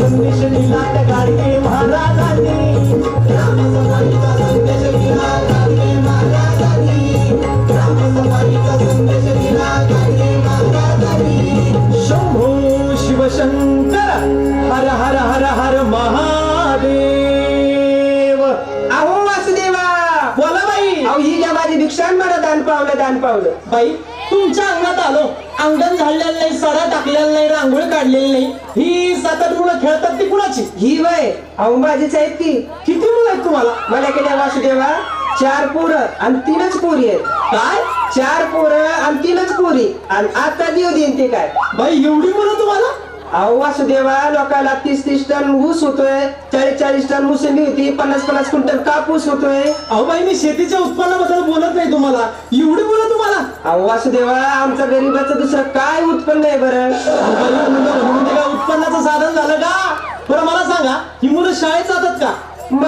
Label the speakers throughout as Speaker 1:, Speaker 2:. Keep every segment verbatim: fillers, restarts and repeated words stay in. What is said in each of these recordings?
Speaker 1: संदेश दिला त्या गाडगे महाराजांनी, ग्रामसभाईचा संदेश दिला गाडगे महाराजांनी, ग्रामसभाईचा संदेश दिला गाडगे महाराजांनी. शंभो शिवशंकर हर हर हर हर महादेव.
Speaker 2: अहो वासुदेवा,
Speaker 1: बोला बाई.
Speaker 2: अहो ही घ्या माझी भिक्षा मला दान पावलं दान पावलं.
Speaker 1: बाई तुमच्या अंगणात आलो, अंगण झाडलेलं नाही, सडा टाकलेला नाही, रांगोळी काढलेली नाही. ही सात आठ मुलं खेळतात ती कुणाची?
Speaker 2: ही वय अहो माझीच आहेत की.
Speaker 1: किती मुलं आहेत तुम्हाला?
Speaker 2: मला केल्या वासुदेवा चार पोरं आणि तीनच पोरी आहेत.
Speaker 1: काय?
Speaker 2: चार पोरं आणि तीनच पोरी आणि आता देऊ देईन ते काय.
Speaker 1: बाई एवढी मुलं तुम्हाला?
Speaker 2: अहो वासुदेवा, लोकांना तीस तीस टन ऊस होतोय, चाळीस चाळीस टन मोसंबी होती, पन्नास पन्नास क्विंटल कापूस होतोय.
Speaker 1: अहो बाई मी शेतीच्या उत्पन्नाबद्दल बोलत नाही तुम्हाला. एवढी मुलं तुम्हाला?
Speaker 2: अहो वासुदेवा, आमचं गरीबाचं दुसरं काय उत्पन्न आहे बरं?
Speaker 1: अहो बाई, मुलं म्हणून ते काय उत्पन्नाचं साधन झालं का? बरं मला सांगा, ही मुलं शाळेत जातात का?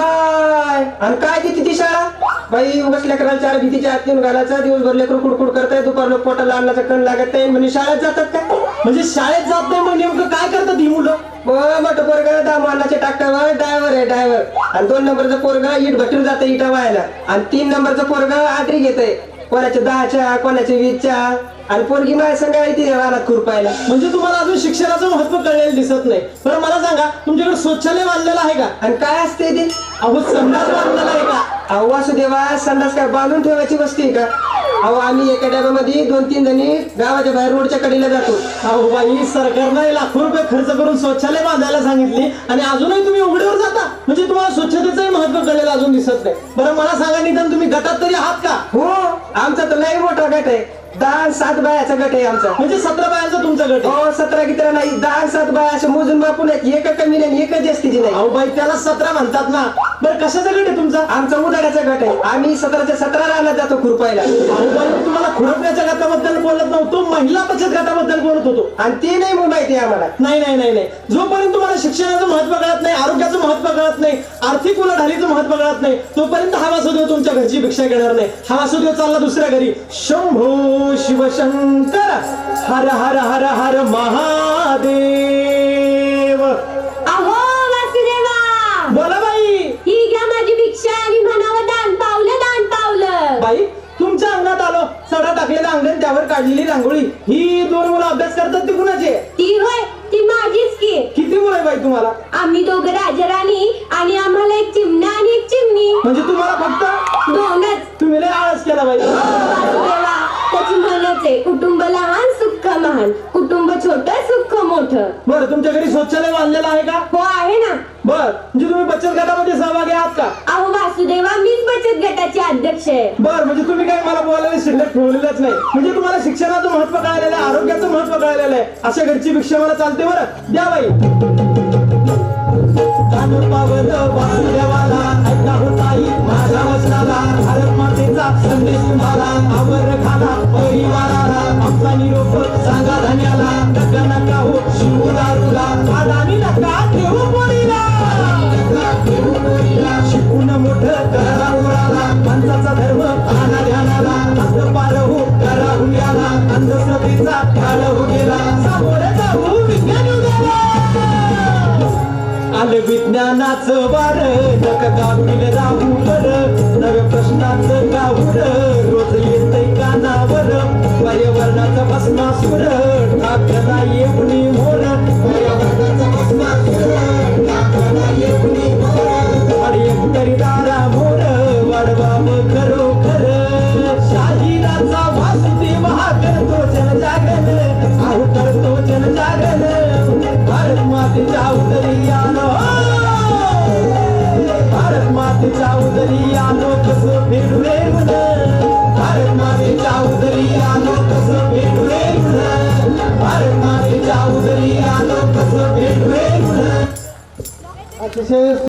Speaker 2: बाय आणि काय देते ती शाळा? बाई उगाच लेकराला चार भीतीच्या आत नेऊन घालायचा, दिवसभर लेकरू कुडकुड करताय, दुपारला पोटाला अन्नाचा कण लागत नाही म्हणजे शाळेत जातात का?
Speaker 1: म्हणजे शाळेत जात नाही मग नेमकं काय करतात ही मुलं?
Speaker 2: मोठं पोरग दामानाच्या ट्रॅक्टरवर ड्रायव्हर आहे ड्रायव्हर, आणि दोन नंबरचं पोरग इट भट्टीवर जातं इटा व्हायला, आणि तीन नंबरचं पोरग आटरी घेतय, कोणाच्या दहाच्या कोणाच्या वीसच्या, आणि पोरगी माझ्या संग आहे ती रानात खुरपायला.
Speaker 1: म्हणजे तुम्हाला अजून शिक्षणाचं महत्व कळलेलं दिसत नाही. बरं मला सांगा, तुमच्याकडे शौचालय बांधलेलं आहे का?
Speaker 2: आणि काय असते ते?
Speaker 1: अहो संडास बांधलेला आहे का?
Speaker 2: अहो वासुदेवा, संडास काय बांधून ठेवायची वस्ती आहे का? अहो आम्ही एका डब्यामध्ये दोन तीन जणी गावाच्या बाहेर रोडच्या कडेला जातो.
Speaker 1: अहो बाई, सरकारने लाखो रुपये खर्च करून शौचालय बांधायला सांगितली आणि अजूनही तुम्ही उघड्यावर जाता. म्हणजे तुम्हाला स्वच्छतेचंही महत्व कळलेलं अजून दिसत नाही. बरं मला सांगा, निदान तुम्ही गटात तरी आहात का?
Speaker 2: हो, आमचा तर लई मोठा गट आहे. दहा सात बायाचा गट आहे आमचा.
Speaker 1: म्हणजे सतरा बायांचा तुमचा गट आहे?
Speaker 2: हो, सतरा कितरा नाही, दहा सात बाया असं मोजून बापून एक कमी नाही, एकच जास्तीची नाही.
Speaker 1: अहो बाई, त्याला सतरा म्हणतात ना. बरं कशाचा गट आहे तुमचा?
Speaker 2: आमचा उदाड्याचा गट आहे. आम्ही सतराच्या सतरा रानात जातो खुरपायला.
Speaker 1: अहो बाई, मी तुम्हाला खुरपण्याच्या गटाबद्दल बोलत नव्हतो, महिला बचत गटाबद्दल बोलत होतो.
Speaker 2: आणि ते नाही माहिती आम्हाला.
Speaker 1: नाही नाही नाही नाही जोपर्यंत तुम्हाला शिक्षणाचं महत्व कळत नाही, आरोग्याचं महत्व कळत नाही, आर्थिक उलाढालीचं महत्व कळत नाही, तोपर्यंत हा वासुदेव तुमच्या घरची भिक्षा घेणार नाही. हा वासुदेव चालला दुसऱ्या घरी. शंभो शिवशंकर हर हर हर हर महादेव.
Speaker 3: अहो वासुदेवा,
Speaker 1: बोला बाई.
Speaker 3: ही घ्या माझी भिक्षा आणि म्हणावं दान पावलं दान पावलं.
Speaker 1: बाई तुमच्या अंगणात आलो, सडा टाकलेलं अंगण, त्यावर काढलेली रांगोळी. ही दोन मुलं अभ्यास करतात ती कुणाचे?
Speaker 3: ती होय, ती माझीच की.
Speaker 1: किती मुलं आहे बाई तुम्हाला?
Speaker 3: आम्ही दोघं राजाराणी आणि आम्हाला एक चिमणा आणि एक चिमणी.
Speaker 1: म्हणजे तुम्हाला फक्त
Speaker 3: दोनच.
Speaker 1: तुम्ही लय आळस केला बाई.
Speaker 3: वासुदेवा, त्याची म्हणच आहे, कुटुंब लहान सुख महान, कुटुंब छोट सुख मोठं.
Speaker 1: बरं तुमच्या घरी शौचालय बांधलेलं आहे का?
Speaker 3: हो आहे ना.
Speaker 1: बर म्हणजे तुम्ही बचत गटामध्ये सहभागी आहात का?
Speaker 3: अहो वासुदेवा, मीच बचत गटाची अध्यक्ष आहे.
Speaker 1: बर म्हणजे तुम्ही काय मला बोलायला शिल्लक ठेवलेलंच नाही. म्हणजे तुम्हाला शिक्षणाचं महत्व कळलेलं आहे, आरोग्याचं महत्व कळलेलं आहे. अशा घरची भिक्षा मला चालते. बरं द्या बाई. दान पावलं वासुदेवाला, ऐका हो ताई माझ्या वचनाला, भारत मातेचा संदेश तुम्हाला, आवर खाना परिवाराला, आमचा निरोप सांगा धन्याला, नका नका हो शिव दारूला, आदानी नका ठेवू पोरीला, शिकून मोठं करा उराला, माणसाचा धर्म आणा ध्यानाला, असं पार हो करा हुंड्याला, अंधश्रद्धेचा काळ हो गेला, सामोरे जाऊ विज्ञान युगाला. आलं विज्ञानाचं वार, नका गावील राहू बर, नव्या प्रश्नाचं गाऊर रोज येतंय कानावर, पर्यावरणाचा भस्मासूर टाकला येऊन मोर, पर्यावरणाचा भस्मासूर टाकला येऊन मोर, आणि एकतरी दारा मोर वाढवाव खरोखर, शाहिराचा वासुदेव हा करतो जनजागरण, आहो करतो जनजागरण, भारत मातेच्या उदरी आलो, भारत मातेच्या उदरी आलो कसं फिरवे मन, भारत मातेच्या उदरी आलो कसं फिरवे मन, भारत मातेच्या उदरी आलो कसं फिरवे मन. अतिशय